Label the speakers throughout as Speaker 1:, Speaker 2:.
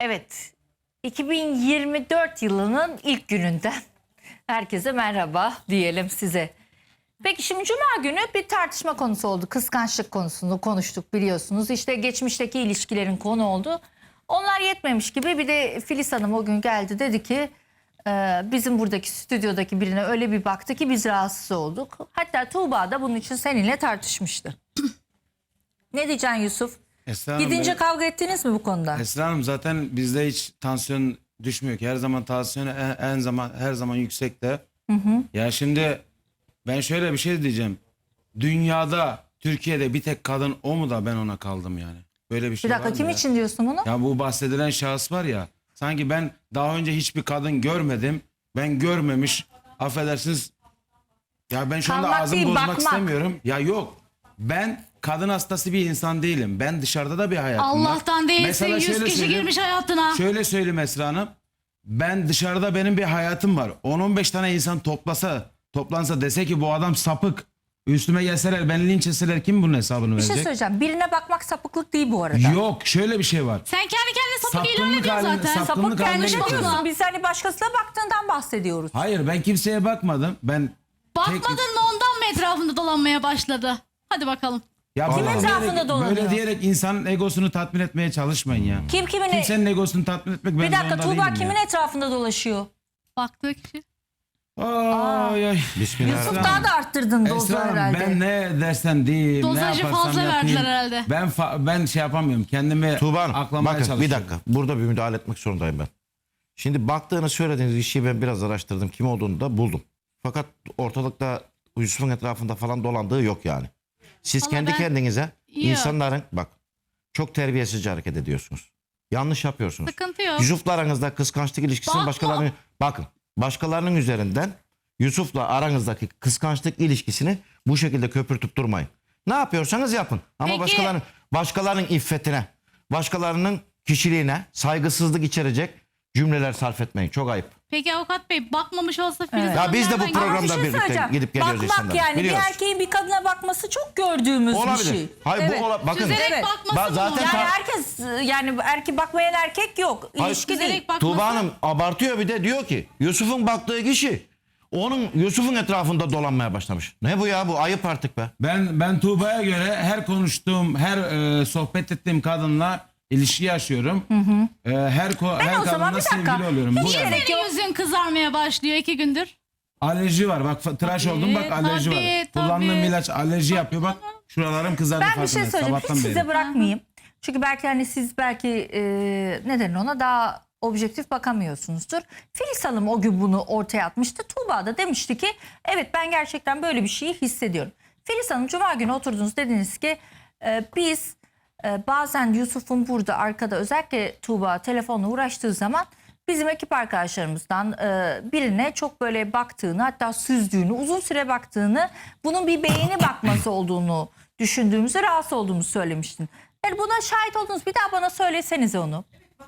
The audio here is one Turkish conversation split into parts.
Speaker 1: Evet, 2024 yılının ilk gününden herkese merhaba diyelim size. Peki şimdi Cuma günü bir tartışma konusu oldu. Kıskançlık konusunu konuştuk biliyorsunuz. İşte geçmişteki ilişkilerin konu oldu. Onlar yetmemiş gibi bir de Filiz Hanım o gün geldi dedi ki bizim buradaki stüdyodaki birine öyle bir baktı ki biz rahatsız olduk. Hatta Tuğba da bunun için seninle tartışmıştı. Ne diyeceksin Yusuf?
Speaker 2: Esra Hanım,
Speaker 1: Gidince kavga ettiniz mi bu konuda?
Speaker 2: Esra Hanım zaten bizde hiç tansiyon düşmüyor ki. Her zaman tansiyon her zaman yüksekte. Ya şimdi ben şöyle bir şey diyeceğim. Dünyada, Türkiye'de bir tek kadın o mu da ben ona kaldım yani. Böyle bir şey
Speaker 1: Bir dakika
Speaker 2: var mı
Speaker 1: kim
Speaker 2: ya?
Speaker 1: için diyorsun bunu?
Speaker 2: Ya bu bahsedilen şahıs var ya. Sanki ben daha önce hiçbir kadın görmedim. Ben görmemiş. Affedersiniz. Ya ben şu anda
Speaker 1: Kalmak
Speaker 2: ağzımı
Speaker 1: değil,
Speaker 2: bozmak
Speaker 1: bakmak.
Speaker 2: istemiyorum. Ya yok. Ben kadın hastası bir insan değilim. Ben dışarıda da bir hayatım var.
Speaker 3: Allah'tan değilsin.
Speaker 2: Mesela
Speaker 3: 100
Speaker 2: şöyle
Speaker 3: kişi
Speaker 2: söyleyeyim.
Speaker 3: girmiş hayatına.
Speaker 2: Şöyle söyleyeyim Esra Hanım. Ben dışarıda benim bir hayatım var. 10-15 tane insan toplansa dese ki bu adam sapık. Üstüme gelseler beni linç etseler kim bunun hesabını
Speaker 1: Bir şey
Speaker 2: verecek?
Speaker 1: söyleyeceğim. Birine bakmak sapıklık değil bu arada.
Speaker 2: Yok şöyle bir şey var.
Speaker 3: Sen kendi kendine sapık ilan
Speaker 2: Sapkınlık
Speaker 3: ediyorsun
Speaker 2: haline-
Speaker 3: zaten.
Speaker 2: sapkınlık
Speaker 1: Sapık
Speaker 2: haline
Speaker 1: kendine
Speaker 2: getiriyorsun.
Speaker 1: diyorsun. Biz hani başkasına baktığından bahsediyoruz.
Speaker 2: Hayır ben kimseye bakmadım. Ben
Speaker 3: Bakmadın da ondan mı etrafında dolanmaya başladı? Hadi bakalım.
Speaker 2: ya
Speaker 1: Kim
Speaker 2: böyle
Speaker 1: etrafında
Speaker 2: diyerek,
Speaker 1: dolanıyor?
Speaker 2: böyle diyerek insanın egosunu tatmin etmeye çalışmayın ya.
Speaker 1: Kim kimin...
Speaker 2: Kimsenin egosunu tatmin etmek ben
Speaker 1: Bir dakika
Speaker 2: zorunda
Speaker 1: Tuğba
Speaker 2: değilim
Speaker 1: kimin
Speaker 2: ya.
Speaker 1: etrafında dolaşıyor?
Speaker 3: Baktığı kişi.
Speaker 2: Ay, ay.
Speaker 1: Yusuf
Speaker 2: Esra
Speaker 1: daha
Speaker 2: Hanım.
Speaker 1: da arttırdın dozu
Speaker 2: Esra Hanım,
Speaker 1: herhalde.
Speaker 2: ben ne dersen diyeyim,
Speaker 3: Dozajı
Speaker 2: ne yaparsam
Speaker 3: fazla
Speaker 2: yapayım.
Speaker 3: verdiler herhalde.
Speaker 2: Ben şey yapamıyorum. Kendimi
Speaker 4: Tuğba Hanım,
Speaker 2: aklamaya
Speaker 4: bakın
Speaker 2: çalışıyorum.
Speaker 4: bir dakika. Burada bir müdahale etmek zorundayım ben. Şimdi baktığını söylediğiniz kişiyi ben biraz araştırdım. Kim olduğunu da buldum. Fakat ortalıkta Yusuf'un etrafında falan dolandığı yok yani. Siz
Speaker 3: Vallahi
Speaker 4: kendi
Speaker 3: ben-
Speaker 4: kendinize
Speaker 3: Yok.
Speaker 4: insanların bak çok terbiyesizce hareket ediyorsunuz. Yanlış yapıyorsunuz.
Speaker 3: Sıkıntı yok.
Speaker 4: Yusuf'la aranızda kıskançlık ilişkisini
Speaker 3: Bakma.
Speaker 4: başkalarının üzerinden Yusuf'la aranızdaki kıskançlık ilişkisini bu şekilde köpürtüp durmayın. Ne yapıyorsanız yapın. Ama
Speaker 3: Peki.
Speaker 4: başkalarının iffetine, başkalarının kişiliğine saygısızlık içerecek cümleler sarf etmeyin. Çok ayıp.
Speaker 3: Peki avukat bey bakmamış olsa Filiz
Speaker 1: Evet.
Speaker 3: Hanım
Speaker 4: Ya biz de bu
Speaker 3: nereden
Speaker 4: programda
Speaker 1: Bir şey
Speaker 4: birlikte
Speaker 1: söyleyeceğim.
Speaker 4: gidip geliyoruz
Speaker 1: Bakmak
Speaker 4: insanlara.
Speaker 1: yani
Speaker 4: Biliyoruz.
Speaker 1: bir erkeğin bir kadına bakması çok gördüğümüz
Speaker 4: Olabilir.
Speaker 1: bir şey.
Speaker 4: Hayır
Speaker 1: Evet.
Speaker 4: bakın.
Speaker 3: Süzerek
Speaker 1: Evet.
Speaker 3: bakması
Speaker 4: Zaten
Speaker 3: mı?
Speaker 1: Yani herkes yani erkek bakmayan erkek yok.
Speaker 4: Hayır.
Speaker 1: İlişki değil.
Speaker 3: Süzerek bakması.
Speaker 4: Tuğba Hanım abartıyor bir de diyor ki Yusuf'un baktığı kişi Yusuf'un etrafında dolanmaya başlamış. Ne bu ya, bu ayıp artık be.
Speaker 2: Ben Tuğba'ya göre her konuştuğum, her sohbet ettiğim kadınla ilişki yaşıyorum. Her
Speaker 1: o zaman
Speaker 2: kadınla
Speaker 1: bir dakika.
Speaker 2: sevgili oluyorum. Bu
Speaker 1: Hiç
Speaker 2: yani.
Speaker 1: gerek yok.
Speaker 3: Senin yüzün kızarmaya başlıyor 2 gündür.
Speaker 2: Alerji var. Bak tıraş oldum bak alerji
Speaker 3: tabii,
Speaker 2: var.
Speaker 3: tabii.
Speaker 2: Kullandığım ilaç alerji yapıyor bak. Şuralarım kızardı
Speaker 1: Ben bir şey
Speaker 2: farkındayım.
Speaker 1: söyleyeyim. Hiç
Speaker 2: Sabahtan
Speaker 1: size
Speaker 2: beri.
Speaker 1: bırakmayayım. Çünkü belki hani siz belki neden ona daha objektif bakamıyorsunuzdur. Filiz Hanım o gün bunu ortaya atmıştı. Tuğba da demişti ki evet ben gerçekten böyle bir şeyi hissediyorum. Filiz Hanım Cuma günü oturdunuz dediniz ki biz bazen Yusuf'un burada arkada özellikle Tuğba telefonla uğraştığı zaman bizim ekip arkadaşlarımızdan birine çok böyle baktığını hatta süzdüğünü uzun süre baktığını bunun bir beğeni bakması olduğunu düşündüğümüzü rahatsız olduğumuzu söylemiştin. Yani buna şahit oldunuz bir daha bana söylesenize onu.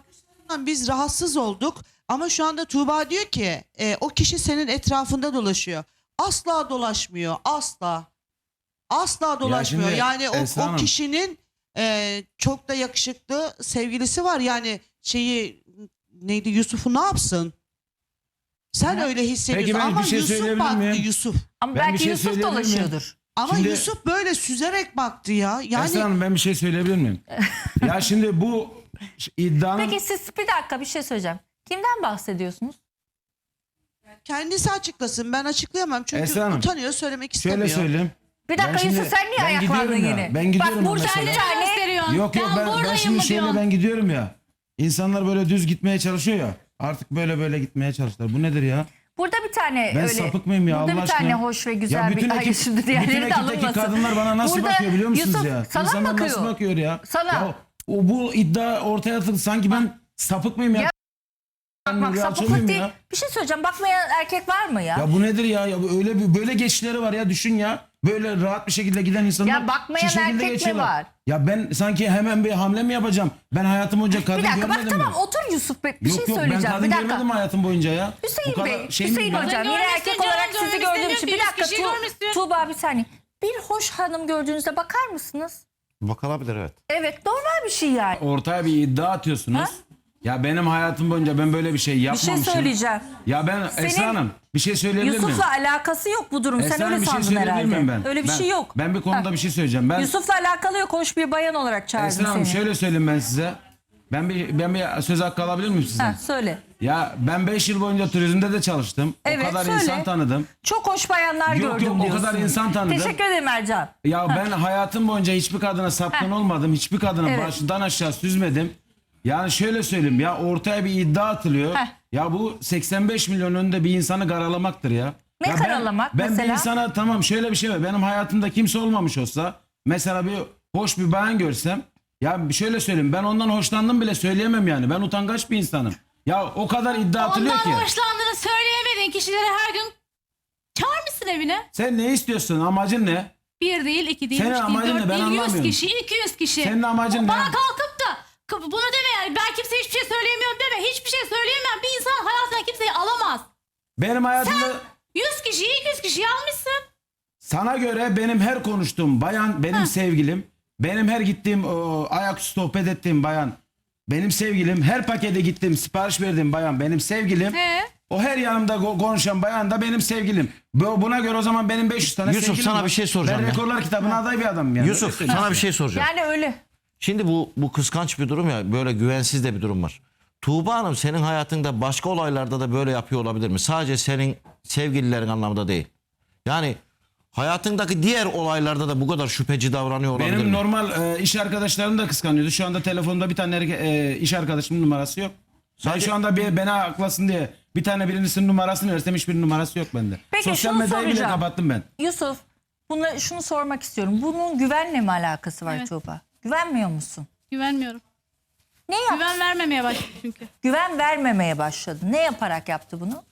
Speaker 5: Biz rahatsız olduk ama şu anda Tuğba diyor ki o kişi senin etrafında dolaşıyor. Asla dolaşmıyor, asla. Asla dolaşmıyor.
Speaker 2: şimdi
Speaker 5: Yani
Speaker 2: Esra
Speaker 5: o
Speaker 2: Hanım.
Speaker 5: kişinin çok da yakışıklı sevgilisi var. Yani neydi, Yusuf'u ne yapsın? Sen öyle hissediyorsun
Speaker 2: ben bir
Speaker 5: ama
Speaker 2: şey
Speaker 5: Yusuf
Speaker 2: söyleyebilir
Speaker 5: baktı,
Speaker 2: miyim?
Speaker 5: Yusuf.
Speaker 1: Ama
Speaker 2: Ben bir
Speaker 1: belki
Speaker 2: şey
Speaker 1: Yusuf
Speaker 2: söyleyebilir miyim?
Speaker 1: dolaşıyordur.
Speaker 5: Ama
Speaker 2: Şimdi-
Speaker 5: Yusuf böyle süzerek baktı ya. Yani
Speaker 2: Esra Hanım ben bir şey söyleyebilir miyim? Ya şimdi bu iddianın...
Speaker 1: Peki siz bir dakika bir şey söyleyeceğim. Kimden bahsediyorsunuz?
Speaker 5: kendisi açıklasın. Ben açıklayamam çünkü
Speaker 2: Esra Hanım,
Speaker 5: utanıyor, söylemek istemiyor.
Speaker 2: Şöyle söyleyeyim.
Speaker 1: Bir dakika
Speaker 2: Ben şimdi-
Speaker 1: Yusuf sen niye
Speaker 2: ben
Speaker 1: ayaklandın
Speaker 2: gidiyorum ya,
Speaker 1: yine?
Speaker 2: ben gidiyorum
Speaker 1: Bak burada
Speaker 2: mesela.
Speaker 1: bir tane
Speaker 3: gösteriyorsun.
Speaker 2: Yok ben
Speaker 3: buradayım
Speaker 2: şimdi
Speaker 3: mı
Speaker 2: şöyle
Speaker 3: diyorsun?
Speaker 2: ben gidiyorum ya. İnsanlar böyle düz gitmeye çalışıyor ya. Artık böyle gitmeye çalıştılar. Bu nedir ya?
Speaker 1: burada bir tane
Speaker 2: Ben
Speaker 1: öyle.
Speaker 2: sapık mıyım ya
Speaker 1: Burada
Speaker 2: Allah
Speaker 1: bir tane
Speaker 2: aşkına?
Speaker 1: hoş ve
Speaker 2: Ya
Speaker 1: güzel
Speaker 2: bütün
Speaker 1: bir... Hayır
Speaker 2: ekip-
Speaker 1: şimdi diğerleri
Speaker 2: bütün
Speaker 1: de
Speaker 2: ekipteki
Speaker 1: alınmasın.
Speaker 2: kadınlar bana nasıl
Speaker 1: Burada
Speaker 2: bakıyor biliyor musunuz
Speaker 1: Yusuf,
Speaker 2: ya?
Speaker 1: sana
Speaker 2: İnsanlar
Speaker 1: bakıyor.
Speaker 2: nasıl bakıyor ya?
Speaker 1: Sana.
Speaker 2: Ya, bu iddia ortaya atıldı. Sanki ben sapık mıyım ya?
Speaker 1: Ya,
Speaker 2: Ben
Speaker 1: Bak
Speaker 2: rüyatçı
Speaker 1: sapıklık
Speaker 2: mıyım
Speaker 1: değil.
Speaker 2: ya?
Speaker 1: Bir şey söyleyeceğim. Bakmayan erkek var mı ya?
Speaker 2: Ya bu nedir ya? Ya bu böyle geçişleri var ya, düşün ya. Böyle rahat bir şekilde giden insanlar
Speaker 1: Ya bakmayan
Speaker 2: şu şekilde
Speaker 1: erkek mi
Speaker 2: geçiyorlar.
Speaker 1: var?
Speaker 2: Ya ben sanki hemen bir hamle mi yapacağım? Ben hayatım boyunca kadın
Speaker 1: Bir dakika bak
Speaker 2: görmedim
Speaker 1: tamam
Speaker 2: mi?
Speaker 1: otur Yusuf Bey. Bir
Speaker 2: Yok
Speaker 1: şey
Speaker 2: ben
Speaker 1: söyleyeceğim.
Speaker 2: kadın
Speaker 1: Bir dakika.
Speaker 2: görmedim hayatım boyunca ya. Bu
Speaker 1: Hüseyin
Speaker 2: kadar
Speaker 1: Bey,
Speaker 2: şey mi
Speaker 1: Hüseyin
Speaker 2: ben?
Speaker 1: Hocam yine
Speaker 3: Görmüşsün
Speaker 1: erkek
Speaker 3: canım,
Speaker 1: olarak sizi
Speaker 3: görmüşsün,
Speaker 1: gördüğüm
Speaker 3: diyor
Speaker 1: için.
Speaker 3: ki
Speaker 1: Bir
Speaker 3: 100
Speaker 1: dakika
Speaker 3: kişi görmüşsün.
Speaker 1: Tuğba bir saniye. Bir hoş hanım gördüğünüzde bakar mısınız?
Speaker 4: Bakılabilir evet.
Speaker 1: Evet normal bir şey yani.
Speaker 2: Ortaya bir iddia atıyorsunuz.
Speaker 1: Ha?
Speaker 2: Ya benim hayatım boyunca ben böyle bir şey
Speaker 1: Bir
Speaker 2: yapmamışım.
Speaker 1: şey söyleyeceğim.
Speaker 2: Ya ben
Speaker 1: Senin
Speaker 2: Esra Hanım bir şey söyleyebilir miyim?
Speaker 1: Yusuf'la alakası yok bu durum.
Speaker 2: Esra
Speaker 1: Sen
Speaker 2: Hanım,
Speaker 1: öyle
Speaker 2: bir şey
Speaker 1: sandın
Speaker 2: söyleyebilir
Speaker 1: herhalde.
Speaker 2: miyim ben?
Speaker 1: Öyle bir şey yok.
Speaker 2: Ben bir konuda bir şey söyleyeceğim. Ben
Speaker 1: Yusuf'la alakalı yok. Hoş bir bayan olarak çağırdım
Speaker 2: Esra Hanım
Speaker 1: seni.
Speaker 2: şöyle söyleyeyim ben size. Ben bir söz hakkı alabilir miyim sizden?
Speaker 1: Ha, söyle.
Speaker 2: Ya ben 5 yıl boyunca turizmde de çalıştım.
Speaker 1: Evet,
Speaker 2: o kadar
Speaker 1: söyle.
Speaker 2: insan tanıdım.
Speaker 1: Çok hoş bayanlar
Speaker 2: Yok,
Speaker 1: gördüm
Speaker 2: yok, o
Speaker 1: diyorsun.
Speaker 2: kadar insan tanıdım.
Speaker 1: Teşekkür ederim Ercan.
Speaker 2: Ya ben hayatım boyunca hiçbir kadına sapkın olmadım. Hiçbir kadına
Speaker 1: Evet.
Speaker 2: başından aşağı süzmedim. Yani şöyle söyleyeyim ya, ortaya bir iddia atılıyor.
Speaker 1: Heh.
Speaker 2: Ya bu 85 milyon önünde bir insanı karalamaktır ya.
Speaker 1: Ne
Speaker 2: Ya
Speaker 1: karalamak
Speaker 2: ben
Speaker 1: mesela?
Speaker 2: bir insana, tamam şöyle bir şey var. Benim hayatımda kimse olmamış olsa, mesela bir hoş bir bayan görsem, ya şöyle söyleyeyim, ben ondan hoşlandım bile söyleyemem yani. Ben utangaç bir insanım. Ya o kadar iddia atılıyor
Speaker 3: Ondan
Speaker 2: ki.
Speaker 3: hoşlandığını söyleyemediğin kişileri her gün çağırmışsın evine.
Speaker 2: Sen ne istiyorsun? Amacın ne?
Speaker 3: 1 değil, 2 değil,
Speaker 2: Senin
Speaker 3: 3 değil,
Speaker 2: amacın
Speaker 3: 4
Speaker 2: ne? Ben
Speaker 3: değil, 100
Speaker 2: anlamıyorum.
Speaker 3: kişi, 200 kişi.
Speaker 2: Senin amacın
Speaker 3: Bana
Speaker 2: ne?
Speaker 3: kalkıp da bunu deme yani, ben kimseye hiçbir şey söyleyemiyorum deme. Hiçbir şey söyleyemem. Bir insan hayatına kimseyi alamaz.
Speaker 2: Benim hayatımda...
Speaker 3: 100 kişiyi, 200 kişiyi almışsın.
Speaker 2: Sana göre benim her konuştuğum bayan benim sevgilim. Benim her gittiğim ayaküstü sohbet ettiğim bayan benim sevgilim. Her pakete gittiğim sipariş verdiğim bayan benim sevgilim. O her yanımda konuşan bayan da benim sevgilim. Buna göre o zaman benim 500 tane
Speaker 4: Yusuf,
Speaker 2: sevgilim
Speaker 4: sana
Speaker 2: var.
Speaker 4: bir şey soracağım
Speaker 2: Ben
Speaker 4: ya.
Speaker 2: rekorlar kitabına aday bir adamım yani.
Speaker 4: Yusuf,
Speaker 2: Öyle söyleyeyim
Speaker 4: sana bir
Speaker 2: size.
Speaker 4: şey soracağım.
Speaker 1: Yani öyle.
Speaker 4: Şimdi bu kıskanç bir durum ya, böyle güvensiz de bir durum var. Tuğba Hanım senin hayatında başka olaylarda da böyle yapıyor olabilir mi? Sadece senin sevgililerin anlamında değil. Yani hayatındaki diğer olaylarda da bu kadar şüpheci davranıyor olabilir
Speaker 2: Benim
Speaker 4: mi?
Speaker 2: normal iş arkadaşlarım da kıskanıyordu. Şu anda telefonda bir tane iş arkadaşımın numarası yok. Ben
Speaker 4: Sadece-
Speaker 2: şu anda beni aklasın diye bir tane birincisinin numarasını versem hiçbir numarası yok bende.
Speaker 1: Peki,
Speaker 2: Sosyal
Speaker 1: şunu
Speaker 2: medyayı bile
Speaker 1: soracağım.
Speaker 2: kapattım ben.
Speaker 1: Yusuf, şunu sormak istiyorum. Bunun güvenle mi alakası var
Speaker 3: Evet.
Speaker 1: Tuğba? Güvenmiyor musun?
Speaker 3: Güvenmiyorum.
Speaker 1: Ne yaptı?
Speaker 3: Güven vermemeye başladı çünkü.
Speaker 1: Güven vermemeye başladı. Ne yaparak yaptı bunu?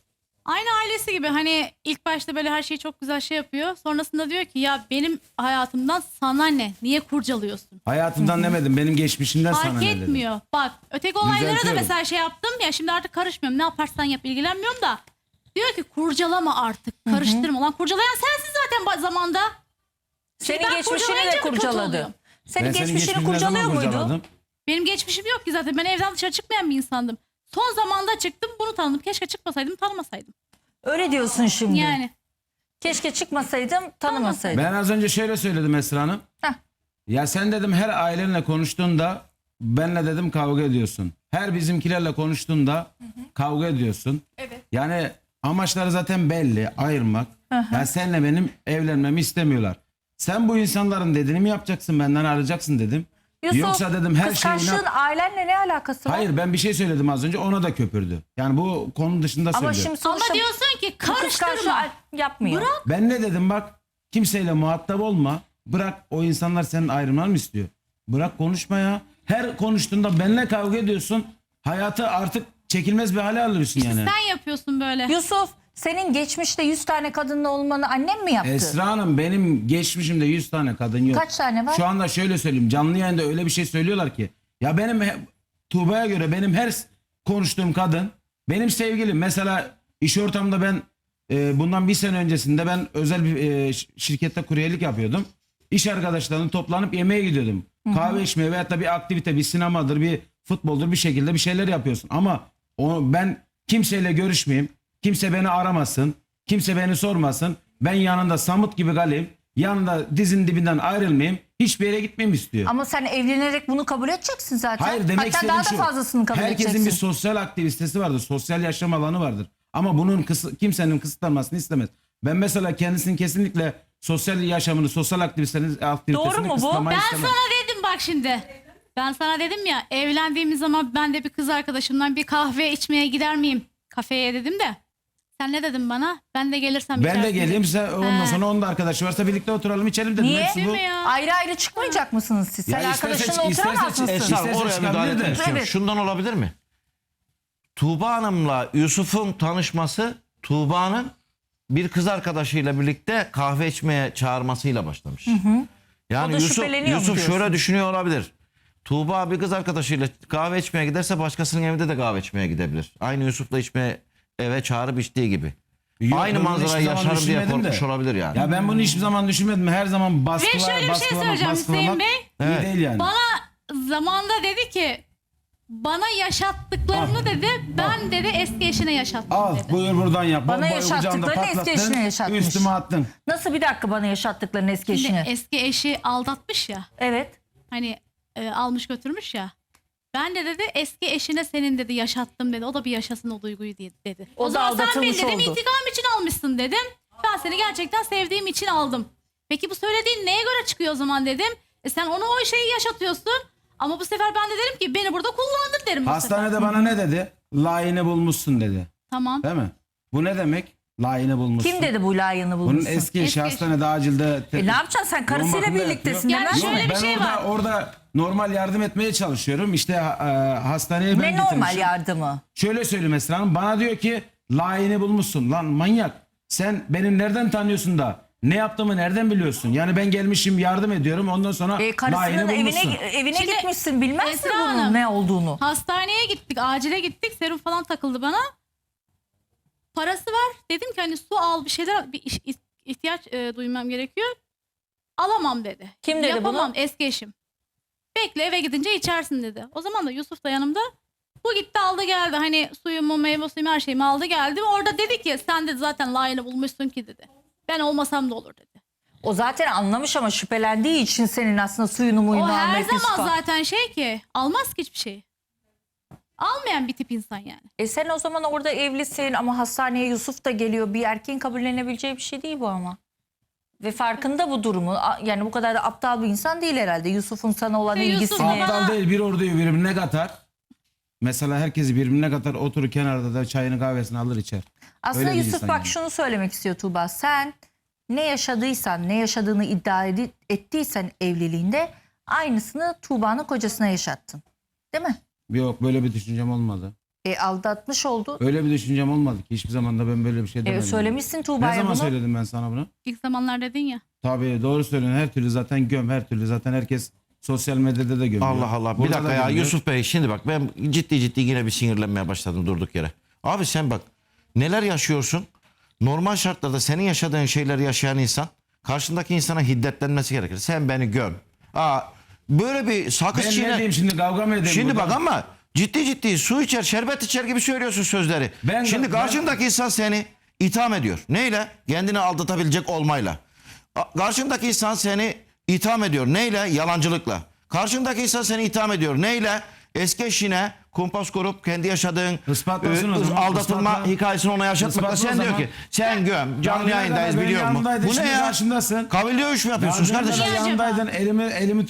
Speaker 3: Aynı ailesi gibi, hani ilk başta böyle her şeyi çok güzel şey yapıyor. Sonrasında diyor ki ya benim hayatımdan sana ne? Niye kurcalıyorsun?
Speaker 2: Hayatımdan demedim, benim geçmişimden sana
Speaker 3: Fark
Speaker 2: ne dedim.
Speaker 3: etmiyor. Bak öteki olaylara da
Speaker 2: Düzeltiyorum.
Speaker 3: mesela şey yaptım ya, şimdi artık karışmıyorum. Ne yaparsan yap, ilgilenmiyorum da. Diyor ki kurcalama artık, karıştırma. Lan kurcalayan sensin zaten zamanda.
Speaker 1: Senin
Speaker 3: ben
Speaker 1: geçmişini
Speaker 3: kurcalayınca
Speaker 1: de
Speaker 3: mı kötü
Speaker 1: kurcaladı.
Speaker 3: oluyorum?
Speaker 1: Senin
Speaker 2: Ben senin
Speaker 1: geçmişini
Speaker 2: geçmişini ne zaman
Speaker 1: kurcalıyor muydu?
Speaker 2: kurcaladım?
Speaker 3: Benim geçmişim yok ki zaten. Ben evden dışarı çıkmayan bir insandım. Son zamanda çıktım, bunu tanıdım. Keşke çıkmasaydım, tanımasaydım.
Speaker 1: Öyle diyorsun şimdi.
Speaker 3: Yani.
Speaker 1: Keşke çıkmasaydım, tanımasaydım.
Speaker 2: Ben az önce şöyle söyledim Esra Hanım.
Speaker 1: Heh.
Speaker 2: Ya sen dedim her ailenle konuştuğunda benle dedim kavga ediyorsun. Her bizimkilerle konuştuğunda kavga ediyorsun.
Speaker 1: Evet.
Speaker 2: Yani amaçları zaten belli, ayırmak. Ya senle benim evlenmemi istemiyorlar. Sen bu insanların dediğini mi yapacaksın, benden arayacaksın dedim.
Speaker 1: Yusuf,
Speaker 2: Yoksa dedim her şeyi
Speaker 1: kıskançlığın ailenle ne alakası var?
Speaker 2: Hayır, ben bir şey söyledim az önce, ona da köpürdü. Yani bu konu dışında
Speaker 1: Ama
Speaker 2: söylüyorum.
Speaker 1: şimdi sonuçta
Speaker 3: Ama diyorsun ki
Speaker 1: bu kıskançlığı
Speaker 3: karıştırma.
Speaker 1: yapmıyor.
Speaker 3: Bırak.
Speaker 2: Ben ne dedim, bak kimseyle muhatap olma. Bırak, o insanlar senin ayrılmanı mı istiyor? Bırak konuşma ya. Her konuştuğunda benimle kavga ediyorsun. Hayatı artık çekilmez bir hale alıyorsun yani.
Speaker 3: Sen yapıyorsun böyle.
Speaker 1: Yusuf, senin geçmişte 100 tane kadınla olmanı annem mi yaptı?
Speaker 2: Esra Hanım, benim geçmişimde 100 tane kadın yok.
Speaker 1: Kaç tane var?
Speaker 2: Şu anda şöyle söyleyeyim, canlı yayında öyle bir şey söylüyorlar ki. Ya benim Tuğba'ya göre benim her konuştuğum kadın benim sevgilim. Mesela iş ortamında ben bundan bir sene öncesinde ben özel bir şirkette kuryelik yapıyordum. İş arkadaşlarımla toplanıp yemeğe gidiyordum. Kahve içmeye veyahut da bir aktivite, bir sinemadır, bir futboldur, bir şekilde bir şeyler yapıyorsun. Ama ben kimseyle görüşmeyeyim. Kimse beni aramasın. Kimse beni sormasın. Ben yanında samut gibi kalayım. Yanında dizin dibinden ayrılmayayım. Hiçbir yere gitmeyeyim istiyor.
Speaker 1: Ama sen evlenerek bunu kabul edeceksin zaten.
Speaker 2: Hayır, demek
Speaker 1: Hatta
Speaker 2: istediğim
Speaker 1: daha da
Speaker 2: şu.
Speaker 1: fazlasını kabul
Speaker 2: Herkesin
Speaker 1: edeceksin.
Speaker 2: bir sosyal aktivitesi vardır. Sosyal yaşam alanı vardır. Ama bunun kimsenin kısıtlanmasını istemez. Ben mesela kendisinin kesinlikle sosyal yaşamını, sosyal aktivitesini
Speaker 1: Doğru mu bu?
Speaker 2: kısıtlamayı
Speaker 3: Ben
Speaker 2: istemem.
Speaker 3: sana dedim bak şimdi. Ben sana dedim ya, evlendiğimiz zaman ben de bir kız arkadaşımdan bir kahve içmeye gider miyim? Kafeye dedim de. Sen ne dedin bana? Ben de gelirsem
Speaker 2: Ben de
Speaker 3: içersin
Speaker 2: geleyim,
Speaker 3: dedin.
Speaker 2: sen ondan sonra onun da arkadaşı varsa birlikte oturalım içelim dedim.
Speaker 1: Niye?
Speaker 2: Hepsi
Speaker 3: Değil
Speaker 2: bu.
Speaker 3: mi ya?
Speaker 1: Ayrı ayrı çıkmayacak mısınız siz? Sen
Speaker 2: Ya
Speaker 1: arkadaşınla
Speaker 2: isterse-
Speaker 1: oturamaz
Speaker 2: isterse-
Speaker 1: mısın?
Speaker 2: Esra-
Speaker 4: Esra,
Speaker 2: İsterse
Speaker 4: oraya
Speaker 2: çıkabilir
Speaker 4: müdahale etmek
Speaker 2: de.
Speaker 4: istiyorum.
Speaker 1: Evet.
Speaker 4: Şundan olabilir mi? Tuğba Hanım'la Yusuf'un tanışması, Tuğba'nın bir kız arkadaşıyla birlikte kahve içmeye çağırmasıyla başlamış. Yani
Speaker 1: O da şüpheleniyor mu
Speaker 4: Yusuf
Speaker 1: diyorsun?
Speaker 4: şöyle düşünüyor olabilir. Tuğba bir kız arkadaşıyla kahve içmeye giderse başkasının evinde de kahve içmeye gidebilir. Aynı Yusuf'la eve çağırıp içtiği gibi.
Speaker 2: Yok,
Speaker 4: Aynı
Speaker 2: ben bunu
Speaker 4: manzarayı
Speaker 2: hiçbir zaman
Speaker 4: yaşarım diye
Speaker 2: düşünmedim de.
Speaker 4: korkmuş olabilir yani.
Speaker 2: Ya ben bunu hiçbir zaman düşünmedim. Her zaman
Speaker 3: Ve şöyle bir şey söyleyeceğim Hüseyin Bey.
Speaker 2: iyi değil yani.
Speaker 3: Bana zamanda dedi ki Bana yaşattıklarını dedi, ben dedi eski eşine yaşattım
Speaker 2: Al
Speaker 3: dedi.
Speaker 2: buyur buradan yap.
Speaker 1: Bana
Speaker 2: Bombayı
Speaker 1: yaşattıklarını
Speaker 2: kucağımda
Speaker 1: eski
Speaker 2: patlattın,
Speaker 1: eşine yaşatmış.
Speaker 2: Üstüme attın.
Speaker 1: Nasıl bir dakika bana yaşattıklarını eski
Speaker 3: Şimdi
Speaker 1: eşine?
Speaker 3: eski eşi aldatmış ya,
Speaker 1: Evet.
Speaker 3: hani almış götürmüş ya. Ben de dedi eski eşine senin dedi yaşattım dedi. O da bir yaşasın o duyguyu dedi.
Speaker 1: O da
Speaker 3: zaman sen beni
Speaker 1: aldatılmış
Speaker 3: dedim
Speaker 1: oldu.
Speaker 3: intikam için almışsın dedim. Ben seni gerçekten sevdiğim için aldım. Peki bu söylediğin neye göre çıkıyor o zaman dedim. Sen onu o şeyi yaşatıyorsun. Ama bu sefer ben de derim ki beni burada kullandın derim bu sefer.
Speaker 2: Hastanede bana ne dedi? Layığını bulmuşsun dedi.
Speaker 3: Tamam.
Speaker 2: Değil mi? Bu ne demek? Layığını bulmuşsun.
Speaker 1: Kim dedi bu layığını
Speaker 2: Bunun
Speaker 1: bulmuşsun?
Speaker 2: eski eşi
Speaker 3: Eski eşi.
Speaker 2: hastanede acilde...
Speaker 1: Ne yapacaksın sen karısıyla
Speaker 2: bakımda
Speaker 1: birliktesin
Speaker 2: yatıyor.
Speaker 1: hemen.
Speaker 3: Yani şöyle bir
Speaker 2: ben
Speaker 3: şey var.
Speaker 2: orada normal yardım etmeye çalışıyorum. İşte hastaneye ben
Speaker 1: Ne normal
Speaker 2: getirmişim.
Speaker 1: yardımı?
Speaker 2: Şöyle söyleyeyim Esra Hanım. Bana diyor ki layığını bulmuşsun. Lan manyak. Sen benim nereden tanıyorsun da? Ne yaptığımı nereden biliyorsun? Yani ben gelmişim yardım ediyorum. Ondan sonra layığını
Speaker 1: Karısının
Speaker 2: bulmuşsun.
Speaker 1: evine
Speaker 3: Şimdi
Speaker 1: gitmişsin bilmez mi
Speaker 3: Esra
Speaker 1: bunun
Speaker 3: Hanım,
Speaker 1: ne olduğunu?
Speaker 3: Hastaneye gittik, acile gittik. Serum falan takıldı bana. Parası var. Dedim ki hani su al bir şeyler, bir ihtiyaç duymam gerekiyor. Alamam dedi.
Speaker 1: Kim dedi
Speaker 3: Yapamam,
Speaker 1: bunu?
Speaker 3: eski eşim. Bekle eve gidince içersin dedi. O zaman da Yusuf da yanımda. Bu gitti aldı geldi. Hani suyumu, meyve suyumu her şeyimi aldı geldi. Orada dedi ki sen de zaten layığını bulmuşsun ki dedi. Ben olmasam da olur dedi.
Speaker 1: O zaten anlamış ama şüphelendiği için senin aslında suyunu
Speaker 3: O
Speaker 1: muyunu
Speaker 3: her
Speaker 1: almayıp
Speaker 3: zaman
Speaker 1: Yusuf'a.
Speaker 3: zaten şey ki almaz ki hiçbir şey. Almayan bir tip insan yani.
Speaker 1: Sen o zaman orada evlisin ama hastaneye Yusuf da geliyor. Bir erkeğin kabullenebileceği bir şey değil bu ama. Ve farkında bu durumu. Yani bu kadar da aptal bir insan değil herhalde. Yusuf'un sana olan
Speaker 3: Yusuf
Speaker 1: ilgisini.
Speaker 3: baba-
Speaker 2: Aptal değil, bir orduyu birbirine katar. Mesela herkesi birbirine katar, oturur kenarda da çayını kahvesini alır içer.
Speaker 1: Aslında
Speaker 2: Öyle bir
Speaker 1: Yusuf
Speaker 2: insan
Speaker 1: bak
Speaker 2: yani.
Speaker 1: şunu söylemek istiyor Tuğba. Sen ne yaşadıysan, ne yaşadığını iddia ettiysen evliliğinde aynısını Tuğba'nın kocasına yaşattın. Değil mi?
Speaker 2: Yok, böyle bir düşüncem olmadı.
Speaker 1: Aldatmış oldu.
Speaker 2: Öyle bir düşüncem olmadı ki. Hiçbir zaman da ben böyle bir şey demedim.
Speaker 1: Söylemişsin
Speaker 2: Ne
Speaker 1: Tuğba'ya
Speaker 2: zaman
Speaker 1: bunu.
Speaker 2: söyledim ben sana bunu?
Speaker 3: İlk zamanlar dedin ya.
Speaker 2: Tabii doğru söylüyorsun. Her türlü zaten göm, her türlü zaten herkes sosyal medyada da gömüyor.
Speaker 4: Allah Allah. Bir
Speaker 2: Burada
Speaker 4: dakika
Speaker 2: da
Speaker 4: ya
Speaker 2: gömüyor.
Speaker 4: Yusuf Bey, şimdi bak ben ciddi yine bir sinirlenmeye başladım durduk yere. Abi sen bak neler yaşıyorsun? Normal şartlarda senin yaşadığın şeyleri yaşayan insan karşındaki insana hiddetlenmesi gerekir. Sen beni göm. Böyle bir sakız
Speaker 2: Ben ne
Speaker 4: çiğne.
Speaker 2: diyeyim şimdi, kavga mı edeyim
Speaker 4: Şimdi
Speaker 2: burada?
Speaker 4: bak ama ciddi su içer, şerbet içer gibi söylüyorsun sözleri. Şimdi karşındaki insan seni itham ediyor. Neyle? Kendini aldatabilecek olmayla. Karşındaki insan seni itham ediyor. Neyle? Yalancılıkla. Karşındaki insan seni itham ediyor. Neyle? Eski eşine kumpas kurup kendi yaşadığın
Speaker 2: Ispatlasın o zaman,
Speaker 4: aldatılma
Speaker 2: ispatla.
Speaker 4: hikayesini ona yaşatmakla.
Speaker 2: Ispatla o
Speaker 4: Sen diyor
Speaker 2: zaman.
Speaker 4: ki sen göm, canlı
Speaker 2: Daha
Speaker 4: yayındayız
Speaker 2: ben
Speaker 4: biliyor musun?
Speaker 2: yanındaydın,
Speaker 4: Bu ne
Speaker 2: şimdi
Speaker 4: ya?
Speaker 2: karşımdasın.
Speaker 4: Kabil dövüş mü yapıyorsunuz
Speaker 2: Daha
Speaker 4: kardeşim?
Speaker 2: önce de
Speaker 3: Niye acaba?
Speaker 2: yanındaydın, elimi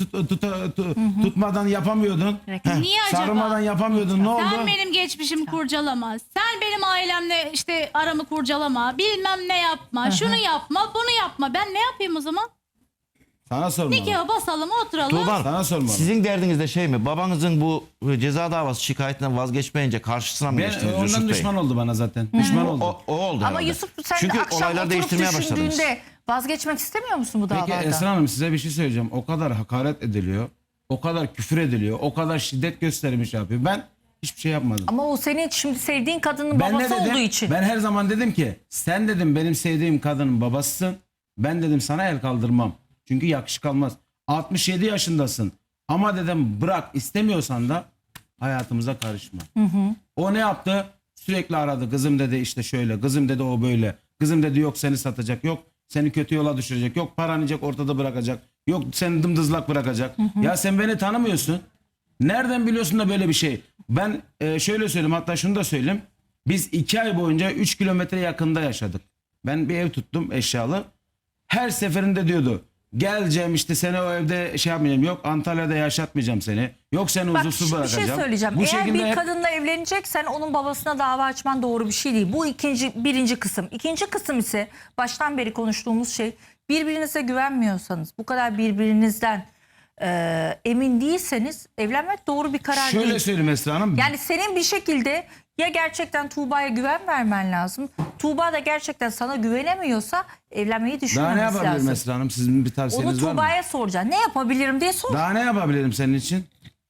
Speaker 2: tutmadan yapamıyordun.
Speaker 3: Niye acaba?
Speaker 2: Sarılmadan yapamıyordun. Ne oldu?
Speaker 3: Sen benim geçmişimi kurcalama. Sen benim ailemle işte aramı kurcalama. Bilmem ne yapma. Şunu yapma, bunu yapma. Ben ne yapayım o zaman?
Speaker 2: Sana sormalı.
Speaker 3: Nikahı basalım, oturalım.
Speaker 4: Tuğba,
Speaker 2: Sana sormalı.
Speaker 4: sizin derdiniz de şey mi? Babanızın bu ceza davası şikayetinden vazgeçmeyince karşısına mı
Speaker 2: Ben,
Speaker 4: geçtiniz Yusuf
Speaker 2: ondan
Speaker 4: Bey?
Speaker 2: düşman oldu bana zaten. Düşman oldu.
Speaker 4: O oldu
Speaker 1: Ama
Speaker 4: herhalde.
Speaker 1: Yusuf sen
Speaker 4: Çünkü
Speaker 1: akşam
Speaker 4: olaylar
Speaker 1: oturup
Speaker 4: değiştirmeye başladınız.
Speaker 1: düşündüğünde vazgeçmek istemiyor musun bu
Speaker 2: Peki
Speaker 1: davada?
Speaker 2: Esra Hanım, size bir şey söyleyeceğim. O kadar hakaret ediliyor. O kadar küfür ediliyor. O kadar şiddet göstermiş yapıyor. Ben hiçbir şey yapmadım.
Speaker 1: Ama o senin şimdi sevdiğin kadının
Speaker 2: Ben ne
Speaker 1: babası
Speaker 2: dedim?
Speaker 1: olduğu için.
Speaker 2: Ben her zaman dedim ki sen dedim benim sevdiğim kadının babasısın. Ben dedim sana el kaldırmam. Çünkü yakışık almaz. 67 yaşındasın. Ama dedim bırak, istemiyorsan da hayatımıza karışma. O ne yaptı? Sürekli aradı. Kızım dedi işte şöyle. Kızım dedi o böyle. Kızım dedi yok seni satacak. Yok seni kötü yola düşürecek. Yok paranı yiyecek, ortada bırakacak. Yok seni dımdızlak bırakacak. Ya sen beni tanımıyorsun. Nereden biliyorsun da böyle bir şey? Ben şöyle söyleyeyim, hatta şunu da söyleyeyim. Biz 2 ay boyunca 3 kilometre yakında yaşadık. Ben bir ev tuttum eşyalı. Her seferinde diyordu. Geleceğim işte seni o evde şey yapmayacağım. Yok Antalya'da yaşatmayacağım seni. Yok seni
Speaker 1: Bak
Speaker 2: huzursuz
Speaker 1: bir
Speaker 2: bırakacağım.
Speaker 1: şey söyleyeceğim.
Speaker 2: Bu
Speaker 1: Eğer
Speaker 2: şekilde
Speaker 1: bir
Speaker 2: hep-
Speaker 1: kadınla evleneceksen onun babasına dava açman doğru bir şey değil. Bu birinci kısım. İkinci kısım ise baştan beri konuştuğumuz şey, birbirinize güvenmiyorsanız, bu kadar birbirinizden emin değilseniz evlenmek doğru bir karar
Speaker 2: Şöyle
Speaker 1: değil.
Speaker 2: söyleyeyim Esra Hanım.
Speaker 1: Yani senin bir şekilde ya gerçekten Tuğba'ya güven vermen lazım. Tuğba da gerçekten sana güvenemiyorsa evlenmeyi
Speaker 2: Daha ne
Speaker 1: düşünmemesi
Speaker 2: yapabilirim
Speaker 1: lazım.
Speaker 2: Esra Hanım? Sizin bir
Speaker 1: Onu
Speaker 2: tavsiyeniz var mı?
Speaker 1: Tuğba'ya soracaksın. Ne yapabilirim diye sor.
Speaker 2: Daha ne yapabilirim senin için?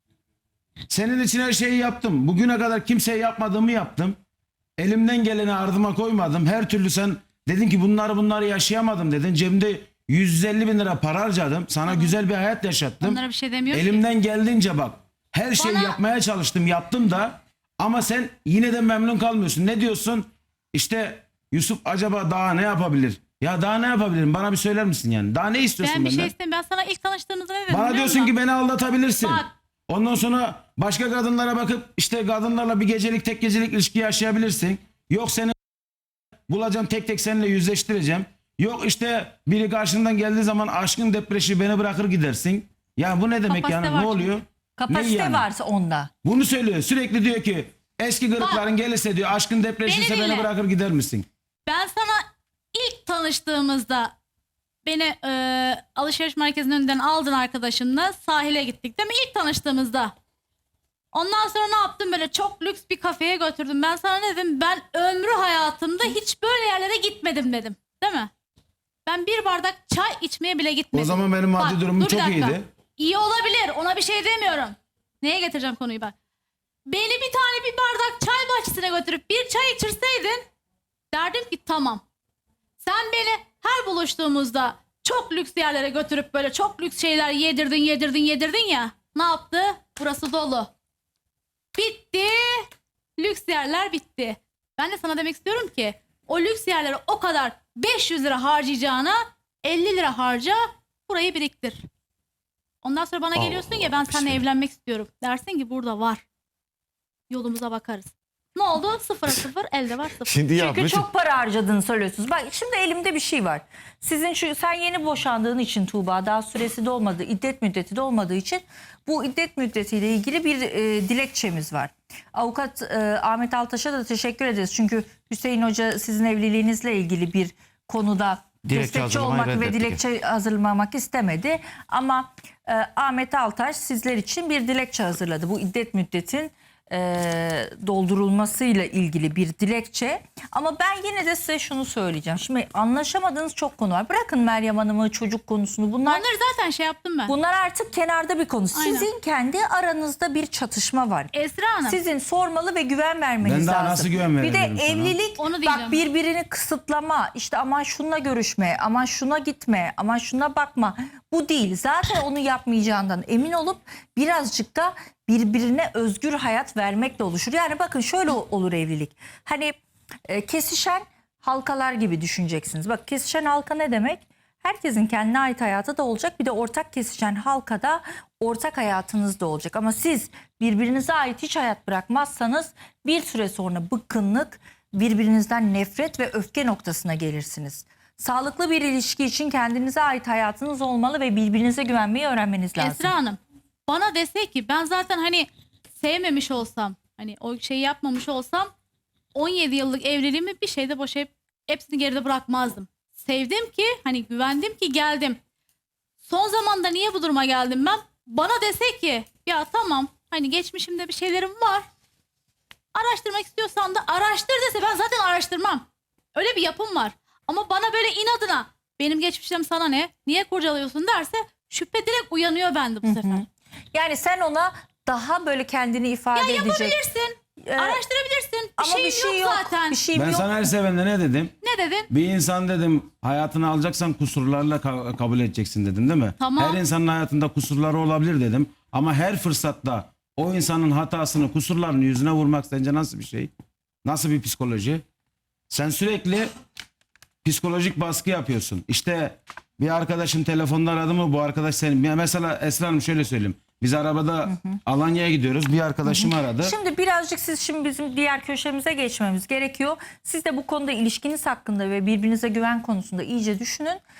Speaker 2: Senin için her şeyi yaptım. Bugüne kadar kimseye yapmadığımı yaptım. Elimden geleni ardıma koymadım. Her türlü sen dedin ki bunları yaşayamadım dedin. Cebimde 150 bin lira para harcadım. Sana güzel bir hayat yaşattım.
Speaker 3: Onlara bir şey demiyorum ki.
Speaker 2: Elimden geldiğince bak. Her şeyi
Speaker 3: Bana-
Speaker 2: yapmaya çalıştım, yaptım da ama sen yine de memnun kalmıyorsun. Ne diyorsun? İşte Yusuf acaba daha ne yapabilir? Ya daha ne yapabilirim? Bana bir söyler misin yani? Daha ne istiyorsun
Speaker 3: Ben bir
Speaker 2: benden?
Speaker 3: şey istemiyorum. Ben sana ilk tanıştığımızda ne dedim?
Speaker 2: Bana
Speaker 3: biliyor
Speaker 2: diyorsun
Speaker 3: musun?
Speaker 2: ki beni aldatabilirsin.
Speaker 3: Bak.
Speaker 2: Ondan sonra başka kadınlara bakıp işte kadınlarla bir gecelik tek gecelik ilişki yaşayabilirsin. Yok seni bulacağım, tek tek seninle yüzleştireceğim. Yok işte biri karşından geldiği zaman aşkın depreşi beni bırakır gidersin. Ya bu ne demek
Speaker 3: Kapasite
Speaker 2: yani?
Speaker 3: var
Speaker 2: Ne oluyor?
Speaker 1: Kapasite
Speaker 2: Ne yani?
Speaker 1: varsa onda.
Speaker 2: Bunu söylüyor. Sürekli diyor ki eski kırıkların gelirse diyor aşkın depreşirse
Speaker 3: Beni
Speaker 2: beni
Speaker 3: dinle.
Speaker 2: bırakır gider misin?
Speaker 3: Ben sana ilk tanıştığımızda beni alışveriş merkezinin önünden aldın arkadaşınla, sahile gittik değil mi? İlk tanıştığımızda. Ondan sonra ne yaptım? Böyle çok lüks bir kafeye götürdüm. Ben sana ne dedim? Ben ömrü hayatımda hiç böyle yerlere gitmedim dedim. Değil mi? Ben bir bardak çay içmeye bile gitmedim.
Speaker 2: O zaman benim maddi
Speaker 3: Bak,
Speaker 2: durumum
Speaker 3: dur bir
Speaker 2: çok
Speaker 3: dakika.
Speaker 2: iyiydi.
Speaker 3: İyi olabilir. Ona bir şey demiyorum. Neye getireceğim konuyu bak. Beni bir bardak çay bahçesine götürüp bir çay içirseydin derdim ki tamam. Sen beni her buluştuğumuzda çok lüks yerlere götürüp böyle çok lüks şeyler yedirdin ya. Ne yaptı? Burası dolu. Bitti. Lüks yerler bitti. Ben de sana demek istiyorum ki o lüks yerlere o kadar 500 lira harcayacağına 50 lira harca, burayı biriktir. Ondan sonra bana geliyorsun ya ben seninle evlenmek istiyorum. Dersin ki burada var. Yolumuza bakarız. Ne oldu? Sıfıra sıfır, elde var sıfır.
Speaker 4: Şimdi
Speaker 1: Çünkü
Speaker 4: yapmış.
Speaker 1: çok para harcadığını söylüyorsunuz. Bak şimdi elimde bir şey var. Sizin sen yeni boşandığın için Tuğba, daha süresi de olmadı, iddet müddeti de olmadığı için bu iddet müddetiyle ilgili bir dilekçemiz var. Avukat Ahmet Altaş'a da teşekkür ederiz. Çünkü Hüseyin Hoca sizin evliliğinizle ilgili bir konuda
Speaker 4: Dilekçe
Speaker 1: destekçi
Speaker 4: hazırlamayı
Speaker 1: olmak ve
Speaker 4: reddetti.
Speaker 1: dilekçe hazırlamak istemedi. Ama Ahmet Altaş sizler için bir dilekçe hazırladı. Bu iddet müddetin doldurulmasıyla ilgili bir dilekçe. Ama ben yine de size şunu söyleyeceğim. Şimdi anlaşamadığınız çok konu var. Bırakın Meryem Hanım'ı, çocuk konusunu. Bunlar
Speaker 3: Zaten şey yaptım ben.
Speaker 1: bunlar artık kenarda bir konu.
Speaker 3: Aynen.
Speaker 1: Sizin kendi aranızda bir çatışma var.
Speaker 3: Esra Hanım.
Speaker 1: Sizin sormalı ve güven vermeniz
Speaker 2: Ben daha
Speaker 1: lazım.
Speaker 2: nasıl güven
Speaker 1: Bir de
Speaker 2: verebilirim sana?
Speaker 1: evlilik
Speaker 3: Onu diyeceğim.
Speaker 1: bak birbirini kısıtlama, işte aman şununla görüşme, aman şuna gitme, aman şuna bakma. Bu değil. Zaten onu yapmayacağından emin olup birazcık da birbirine özgür hayat vermekle oluşur. Yani bakın şöyle olur evlilik. Hani kesişen halkalar gibi düşüneceksiniz. Bak kesişen halka ne demek? Herkesin kendine ait hayatı da olacak. Bir de ortak kesişen halkada ortak hayatınız da olacak. Ama siz birbirinize ait hiç hayat bırakmazsanız bir süre sonra bıkkınlık, birbirinizden nefret ve öfke noktasına gelirsiniz. Sağlıklı bir ilişki için kendinize ait hayatınız olmalı ve birbirinize güvenmeyi öğrenmeniz lazım.
Speaker 3: Esra Hanım bana dese ki ben zaten hani sevmemiş olsam, hani o şeyi yapmamış olsam 17 yıllık evliliğimi bir şeyde boşayıp hepsini geride bırakmazdım. Sevdim ki hani güvendim ki geldim. Son zamanda niye bu duruma geldim ben? Bana dese ki ya tamam hani geçmişimde bir şeylerim var. Araştırmak istiyorsan da araştır dese ben zaten araştırmam. Öyle bir yapım var. Ama bana böyle inadına benim geçmişim sana ne? Niye kurcalıyorsun derse şüphe direkt uyanıyor bende bu sefer.
Speaker 1: Yani sen ona daha böyle kendini ifade edecek.
Speaker 3: Yapabilirsin. Araştırabilirsin.
Speaker 1: Ama
Speaker 3: Bir şeyim yok zaten.
Speaker 1: Bir şeyim
Speaker 2: Ben
Speaker 1: yok.
Speaker 2: sana her seferinde ne dedim?
Speaker 3: Ne dedin?
Speaker 2: Bir insan dedim hayatını alacaksan kusurlarla kabul edeceksin dedim değil mi?
Speaker 3: Tamam.
Speaker 2: Her insanın hayatında kusurları olabilir dedim. Ama her fırsatta o insanın hatasını, kusurlarını yüzüne vurmak sence nasıl bir şey? Nasıl bir psikoloji? Sen sürekli psikolojik baskı yapıyorsun. İşte bir arkadaşın telefonda aradı mı bu arkadaş senin. Mesela Esra Hanım şöyle söyleyeyim. Biz arabada Alanya'ya gidiyoruz. Bir arkadaşım aradı.
Speaker 1: Şimdi birazcık şimdi bizim diğer köşemize geçmemiz gerekiyor. Siz de bu konuda ilişkiniz hakkında ve birbirinize güven konusunda iyice düşünün.